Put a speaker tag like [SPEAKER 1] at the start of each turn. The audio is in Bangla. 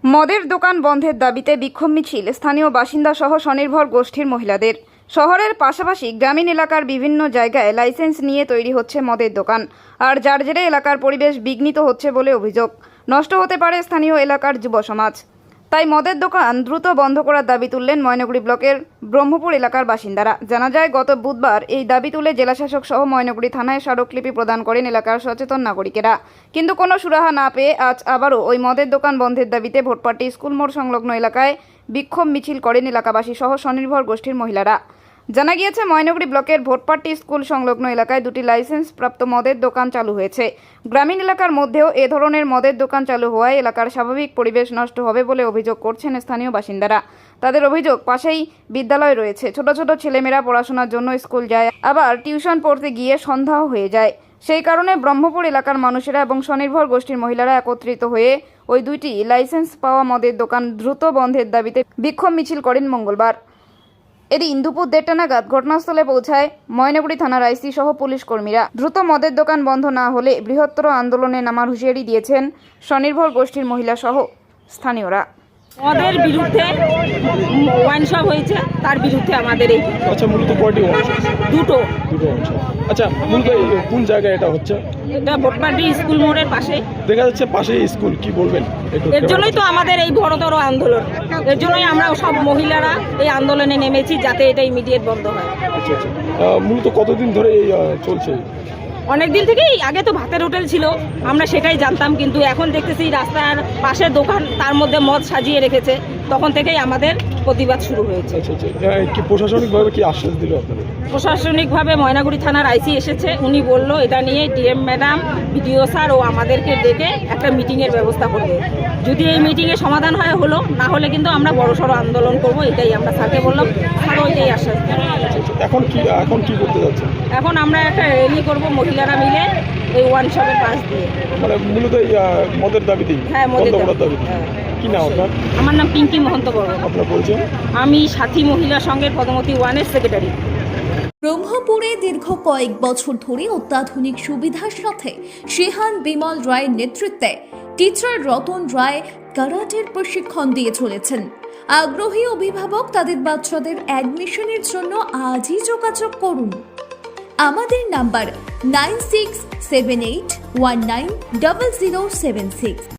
[SPEAKER 1] মদের দোকান বন্ধের দাবিতে বিক্ষোভ মিছিল স্থানীয় বাসিন্দা সহ স্বনির্ভর গোষ্ঠীর মহিলাদের। শহরের পাশাপাশি গ্রামীণ এলাকার বিভিন্ন জায়গায় লাইসেন্স নিয়ে তৈরি হচ্ছে মদের দোকান, আর যার জেরে এলাকার পরিবেশ বিঘ্নিত হচ্ছে বলে অভিযোগ। নষ্ট হতে পারে স্থানীয় এলাকার যুব সমাজ। তাই মদের দোকান দ্রুত বন্ধ করার দাবি তুললেন ময়নাগুড়ি ব্লকের ব্রহ্মপুর এলাকার বাসিন্দারা। জানা যায়, গত বুধবার এই দাবি তুলে জেলাশাসক সহ ময়নাগুড়ি থানায় স্মারকলিপি প্রদান করেন এলাকার সচেতন নাগরিকেরা। কিন্তু কোনো সুরাহা না পেয়ে আজ আবারও ওই মদের দোকান বন্ধের দাবিতে ভোটপাটি স্কুল মোড় সংলগ্ন এলাকায় বিক্ষোভ মিছিল করেন এলাকাবাসী সহ স্বনির্ভর গোষ্ঠীর মহিলারা। জানা গিয়েছে, ময়নাগুড়ি ব্লকের ভোটপাটি স্কুল সংলগ্ন এলাকায় দুটি লাইসেন্স প্রাপ্ত মদের দোকান চালু হয়েছে। গ্রামীণ এলাকার মধ্যেও এ ধরনের মদের দোকান চালু হওয়ায় এলাকার স্বাভাবিক পরিবেশ নষ্ট হবে বলে অভিযোগ করছেন স্থানীয় বাসিন্দারা। তাদের অভিযোগ, পাশেই বিদ্যালয় রয়েছে, ছোট ছোট ছেলেমেয়েরা পড়াশোনার জন্য স্কুল যায়, আবার টিউশন পড়তে গিয়ে সন্ধ্যাও হয়ে যায়। সেই কারণে ব্রহ্মপুর এলাকার মানুষেরা এবং স্বনির্ভর গোষ্ঠীর মহিলারা একত্রিত হয়ে ওই দুইটি লাইসেন্স পাওয়া মদের দোকান দ্রুত বন্ধের দাবিতে বিক্ষোভ মিছিল করেন মঙ্গলবার। এদিন দুপুর 1:30 নাগাদ ঘটনাস্থলে পৌঁছায় ময়নাগুড়ি থানার আইসি সহ পুলিশ কর্মীরা। দ্রুত মদের দোকান বন্ধ না হলে বৃহত্তর আন্দোলনে নামার হুঁশিয়ারি দিয়েছেন স্বনির্ভর গোষ্ঠীর মহিলা সহ স্থানীয়রা।
[SPEAKER 2] মদের বিরুদ্ধে ওয়াইন শপ হয়েছে, তার বিরুদ্ধে আমাদের এই
[SPEAKER 3] আচ্ছা, মূলত কয়টি অংশ?
[SPEAKER 2] দুটো
[SPEAKER 3] অংশ। আচ্ছা, মূলত কোন জায়গায় এটা হচ্ছে?
[SPEAKER 2] এটা ভোটপাটি স্কুল মোড়ের পাশে।
[SPEAKER 3] দেখা যাচ্ছে পাশেই স্কুল, কি বলবেন?
[SPEAKER 2] এর জন্যই তো আমাদের এই বড়তর আন্দোলন, এর জন্যই আমরা সব মহিলারা এই আন্দোলনে নেমেছি, যাতে এটা ইমিডিয়েট বন্ধ হয়।
[SPEAKER 3] আচ্ছা আচ্ছা, মূলত কতদিন ধরে এই চলছে?
[SPEAKER 2] অনেক দিন থেকেই। আগে তো ভাতের হোটেল ছিল, আমরা সেটাই জানতাম, কিন্তু এখন দেখতেছি রাস্তার পাশে দোকান, তার মধ্যে মদ সাজিয়ে রেখেছে, তখন থেকেই আমাদের প্রতিবাদ শুরু হয়েছে।
[SPEAKER 3] আচ্ছা আচ্ছা, কি প্রশাসনিকভাবে কি আশ্বাস দিল আপনাদের?
[SPEAKER 2] প্রশাসনিকভাবে ময়নাগুড়ি থানার আইসি এসেছে, উনি বলল এটা নিয়ে ডিএম ম্যাডাম, বিডিও স্যার ও আমাদেরকে ডেকে একটা মিটিংয়ের ব্যবস্থা করবে। যদি এই মিটিংয়ে সমাধান হয় হলো, না হলে কিন্তু আমরা বড়সড় আন্দোলন করব, এটাই আমরা স্যারকে বললাম, স্যারও এটাই আশ্বাস দেন।
[SPEAKER 3] এখন কি করতে যাচ্ছে?
[SPEAKER 2] এখন আমরা একটা র্যালি করব মহিলারা মিলে এই ওয়ান শপের পাশ দিয়ে।
[SPEAKER 3] মানে মূলত এই মদের দাবিতেই?
[SPEAKER 2] হ্যাঁ, মদের দাবি।
[SPEAKER 3] কি নাম আপনার?
[SPEAKER 2] আমার নাম পিঙ্কি মহন্ত বড়।
[SPEAKER 3] আপনার পরিচয়?
[SPEAKER 2] আমি সাথী মহিলা সংঘের পদমতি 1-এর সেক্রেটারি।
[SPEAKER 4] ব্রহ্মপুরে দীর্ঘ কয়েক বছর ধরে অত্যাধুনিক সুবিধার সাথে শেহান বিমল রায়ের নেতৃত্বে টিচার রতন রায় কারাটের প্রশিক্ষণ দিয়ে চলেছেন। আগ্রহী অভিভাবক তাদের বাচ্চাদের অ্যাডমিশনের জন্য আজই যোগাযোগ করুন। আমাদের নাম্বার 9678190076।